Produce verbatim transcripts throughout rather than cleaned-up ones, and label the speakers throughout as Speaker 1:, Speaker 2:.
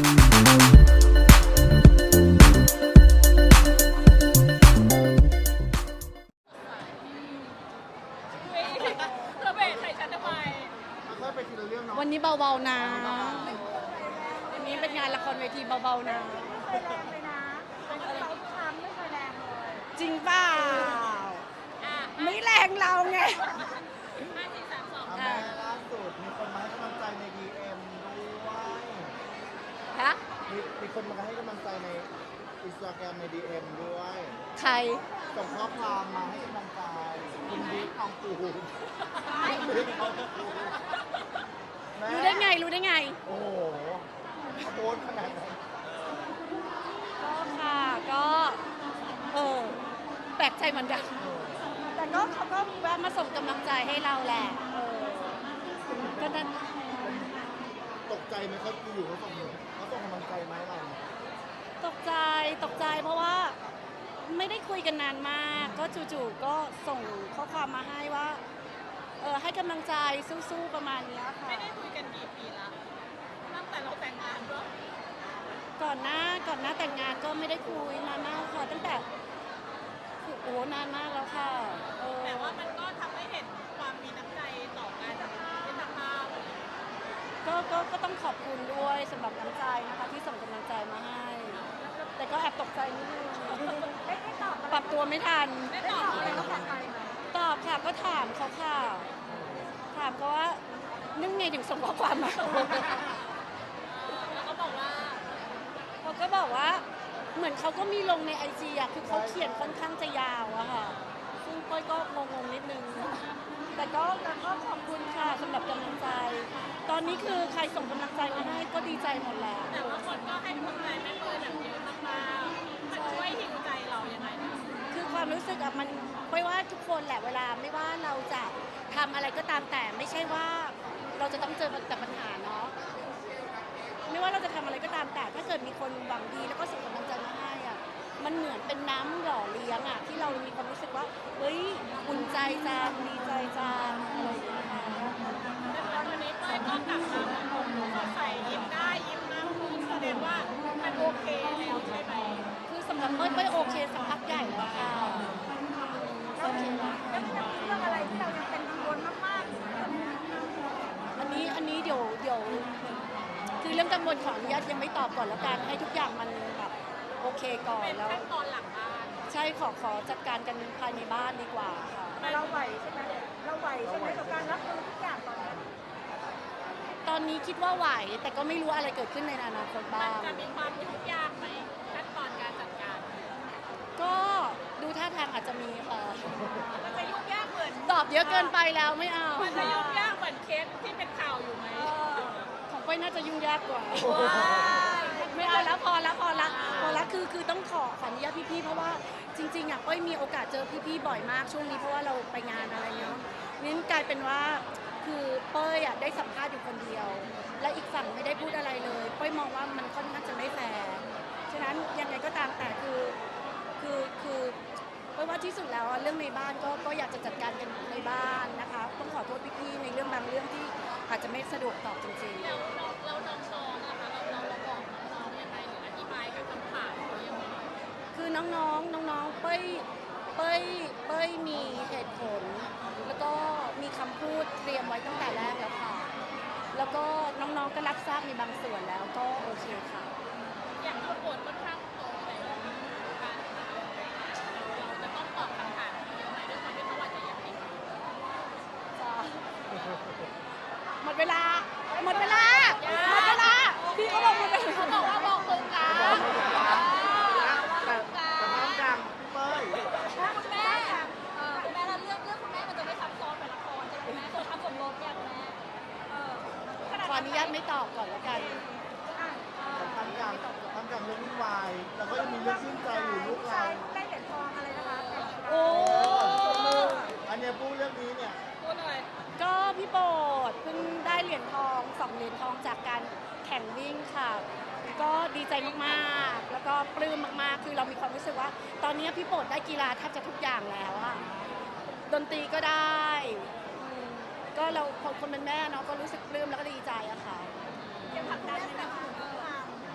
Speaker 1: เธอเบรกใส่ฉันทำไม
Speaker 2: ค่อยๆไปทีละเรื่องเนาะ
Speaker 3: วันนี้เบาๆนะวันนี้เป็นงานละครเวทีเบาๆนะ
Speaker 1: เคยแรงเลยนะเป็นเขาทำไม่เคยแรงเลย
Speaker 3: จริงเปล่า
Speaker 1: อ่ะ
Speaker 3: ไม่แรงเราไง
Speaker 1: ห้าสี่สามสอง
Speaker 2: อ่ะแม่ล่าสุดมีคนมาให้กำลังใจใน ดี เอ็ม ด้วย
Speaker 3: ฮะ
Speaker 2: มีมีคนมาให้กำลังใจในอินสตาแกรมใน ดี เอ็ม ด้วย
Speaker 3: ใคร
Speaker 2: ส่งข้อความมาให้กำลังใจคุณบิ๊กทองปูนคุณบิ๊กทองปูนแม่
Speaker 3: รู้ได้ไง รู้ได้ไง
Speaker 2: โอ้โหโพสต์ขนาดนั้น
Speaker 3: ก็ค่ะ ก็ เออ แปลกใจเหมือนกัน แต่ก็เขาก็แวะมาส่งกำลังใจให้เราแหละ เออ ก็นั่น
Speaker 2: ตกใจไหมเขาอยู่เขาส่งเขาส่งกำลังใจมาให้เรา
Speaker 3: ตกใจ ตกใจเพราะว่าไม่ได้คุยกันนานมาก ก็จู่ๆ ก็ส่งข้อความมาให้ว่า เออ ให้กำลังใจสู้ๆ ประมาณเนี้ยค่ะ
Speaker 1: ไม่ได้คุยกันกี่ปีละตั้งแต่เราแต่งงานด้วย
Speaker 3: ก่อนหน้าก่อนหน้าแต่งงานก็ไม่ได้คุยนานมากค่ะตั้งแต่คือโอ้นานมากแล้วค่ะเออ
Speaker 1: แต่ว่ามันก็ทำให้เห็นความมีน้ำใจต่อกันมิตรภาพ
Speaker 3: ก็ก็ก็ต้องขอบคุณด้วยสำหรับน้ำใจนะคะที่ส่งกำลังใจมาให้ แต่ก็แอบตกใจนิดนึง
Speaker 1: ได้ได้ตอบ
Speaker 3: ปรับตัวไม่ทัน
Speaker 1: ได้ตอบอะไรก็ผ่านไปไหม
Speaker 3: ตอบค่ะก็ถามเขาค่ะ ถามเขาว่านึ่งไงถึงส่งข้อความมา
Speaker 1: แล้วก็บอกว่า
Speaker 3: เขาก็บอกว่าเหมือนเขาก็มีลงในไอจีอะคือเขาเขียนค่อนข้างจะยาวอะค่ะ ซึ่งก้อยก็งงๆนิดนึง แต่ก็แต่ก็ขอบคุณค่ะสำหรับกำลังใจ ตอนนี้คือใครส่งกำลังใจมาให้ก็ดีใจหมดแล้ว
Speaker 1: แต่ว่าคนก็ให้กำลังใจแม่เตยแบบเยอะมากๆมันช่วยหิวใจเรายังไงนะ
Speaker 3: คือความรู้สึกอะมันไม่ว่าทุกคนแหละเวลาไม่ว่าเราจะทำอะไรก็ตามแต่ไม่ใช่ว่าเราจะต้องเจอแต่ปัญหาเนาะไม่ว่าเราจะทำอะไรก็ตามแต่ถ้าเกิดมีคนหวังดีแล้วก็ส่งกำลังใจมาให้อะมันเหมือนเป็นน้ำหล่อเลี้ยงอะที่เรามีความรู้สึกว่าเฮ้ยอุ่นใจจังดีใจจังอะไรอย่างเงี้ยค่ะ
Speaker 1: แต่วันนี้เต้ยก็กลับมาแบบสดใสยิ้มได้ยิ้มมากขึ้นแสดงว่ามันโอเคแล้วใช่ไหม
Speaker 3: คือสำหรับเต้ยเต้ยโอเคสักพักใหญ่แล้วค่ะโอเคแล้ว
Speaker 1: แล้วมันจะมีเรื่องอะไรที่เรายังเป็นกังวลมากๆ
Speaker 3: อันนี้อันนี้เดี๋ยวเดี๋ยวคือเรื่องกังวลของอนุญาตยังไม่ตอบก่อนแล้วกันให้ทุกอย่างมันแบบโอเคก่อน
Speaker 1: เป็น
Speaker 3: แล้ว
Speaker 1: ขั้นตอนหลังบ้าน
Speaker 3: ใช่ขอขอจัดการกันภายในบ้านดีกว่าค่ะ
Speaker 1: เราไหวใช่ไหมเราไหวใช่ไหมกับการรับมือทุกอย่างตอนนี้
Speaker 3: ตอนนี้คิดว่าไหวแต่ก็ไม่รู้อะไรเกิดขึ้นในอนาคต
Speaker 1: มั
Speaker 3: บ้าน ง
Speaker 1: จะมีความยุ่งยากไหมขั้นตอนการจัดการ
Speaker 3: ก็ดูท่าทางอาจจะมีเอ่อ
Speaker 1: มันจะยุ่งยากเหมือน
Speaker 3: ตอบเยอะเกินไปแล้วไม่เอา
Speaker 1: มันจะยุ่งยากเหมือนเคสที่เป็นข่าวอยู่ไหม
Speaker 3: ของก้อยน่าจะยุ่งยากกว่า ไม่เอาแล้วพอแล้วพอละพอละคือคือต้องขอขออนุญาตพี่ๆเพราะว่าจริงๆอ่ะก้อยมีโอกาสเจอพี่ๆบ่อยมากช่วงนี้เพราะว่าเราไปงานอะไรเนาะนี่กลายเป็นว่าคือเป้ยอ่ะได้สัมภาษณ์อยู่คนเดียว และอีกฝั่งไม่ได้พูดอะไรเลยเป้ยมองว่ามันค่อนข้างจะไม่แฟร์ฉะนั้นยังไงก็ตามแต่คือคือคือเป้ยว่าที่สุดแล้วอะเรื่องในบ้านก็ก็อยากจะจัดการกันในบ้านนะคะต้องขอโทษพี่ๆในเรื่องบางเรื่องที่อาจจะไม่สะดวกตอบจริงๆ
Speaker 1: แล้วเราเราน้องๆนะคะเราเราเราบอกน้องๆยังไงหรืออธิบายกับคำถามเขายังไง
Speaker 3: คือน้องๆ น้องๆ เป้ย เป้ย เป้ยมีเหตุผล แล้วก็มีคำพูดเตรียมไว้ตั้งแต่แรกแล้วค่ะ แล้วก็น้องๆ ก็รับทราบในบางส่วนแล้วก็โอเคค่ะ
Speaker 1: อย่างเราบทค่อนข้างโตในเรื่องการเราจะต้องตอบคำถามเยอะไหมด้วยความที่เขาอาจจะยังเด็ก
Speaker 3: จ้าหมดเวลา หมดเวลา หมดเวลา พี่เขาบอกหมดเวลา
Speaker 1: เขาบอกว่าบอกตรงกลาง
Speaker 2: แต่แต่น้ำดังเป้ย
Speaker 1: คุณแม่เออคุณแม่เราเรื่องเรื่องคุณแม่มันจะไม่ซับซ้อนเหมือนละครใช่ไหมแม่คนทำสมรสเนี่ยคุณแม่เออ
Speaker 3: ขออนุญาตไม่ตอบก่อนแล้วกัน
Speaker 2: แต่ทำกลางทำกลางเรื่องวุ่นวายแล้วก็ยังมีเรื่องชื่นใจอยู่ลูกเรา
Speaker 1: ได้เหรียญทองอะไรนะคะ
Speaker 3: โอ้
Speaker 2: อันเนี้ยพูดเรื่องนี้เนี่ย
Speaker 1: พูดเลย
Speaker 3: ก็พี่โบดเพิ่งได้เหรียญทองสองเหรียญทองจากการแข่งวิ่งค่ะ ก็ดีใจมากๆ แล้วก็ปลื้มมากๆ คือเรามีความรู้สึกว่า ตอนนี้พี่โบดได้กีฬาแทบจะทุกอย่างแล้วอะดนตรีก็ได้อืมก็เราคนเป็นแม่เนาะก็รู้สึกปลื้มแล้วก็ดีใจอะค่ะ
Speaker 1: ยังผลักดันไหมคะ
Speaker 3: อ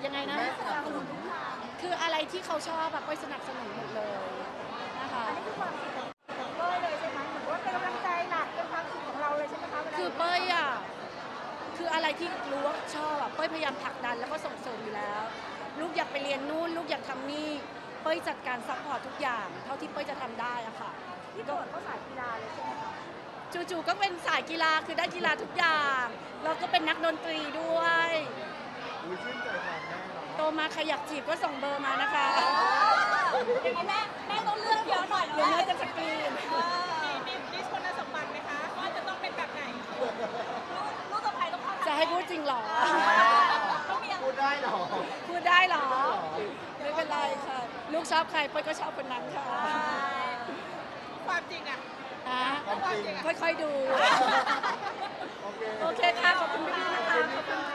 Speaker 3: ยังไงนะ
Speaker 2: แม่สนับสนุนทุกทาง
Speaker 3: คืออะไรที่เขาชอบแบบเป้ยสนับสนุนหมดเลยนะคะ
Speaker 4: อันนี้คือความสุขของของเป้ยเลยใช่ไหมเหมือนว่าเป็นกำลังใจหลักเป็นความสุขของเราเลยใช่ไหมคะวลา
Speaker 3: คือเป้ยอ่ะคืออะไรที่รู้ว่าชอบอ่ะเป้ยพยายามผลักดันแล้วก็ส่งเสริมอยู่แล้ว ลูกอยากไปเรียนนู่นลูกอยากทำนี่เป้ยจัดการซัพพอร์ตทุกอย่าง เท่าที่เป้ยจะทำได้อะค่ะ
Speaker 4: พี่โบดเขาสายกีฬาเลยใช่ไหมคะ
Speaker 3: จู่ๆก็เป็นสายกีฬาคือได้กีฬาทุกอย่างแล้วก็เป็นนักดนตรีด้วย
Speaker 2: อุ้ยชื่นใจแทนแม่เนาะ
Speaker 3: โตมาใครอยากจีบก็ส่งเบอร์มานะคะ
Speaker 4: อย่างนี้แม่แม่ต้องเลือกเยอะหน่อย
Speaker 3: เดี๋ยวแม่จะสกรีน
Speaker 1: มีมีลิสต์คุณสมบัติไหมคะว่าจะต้องเป็นแบบไหน
Speaker 4: ลูกสะใภ้ต้องเข้า
Speaker 3: จะให้พูดจริงเหรอ
Speaker 4: ต้องมี
Speaker 2: พูดได้เหรอ
Speaker 3: พูดได้เหรอ ไม่เป็นไรค่ะ ลูกชอบใครเป้ยก็ชอบคนนั้นค่ะ
Speaker 1: ความจริงอ่ะ
Speaker 3: นะ
Speaker 2: ความจริง
Speaker 3: ค่อยๆดู
Speaker 2: โอเค
Speaker 3: โอเคค่ะ ขอบคุณพี่ๆนะคะ ขอบคุณค่ะ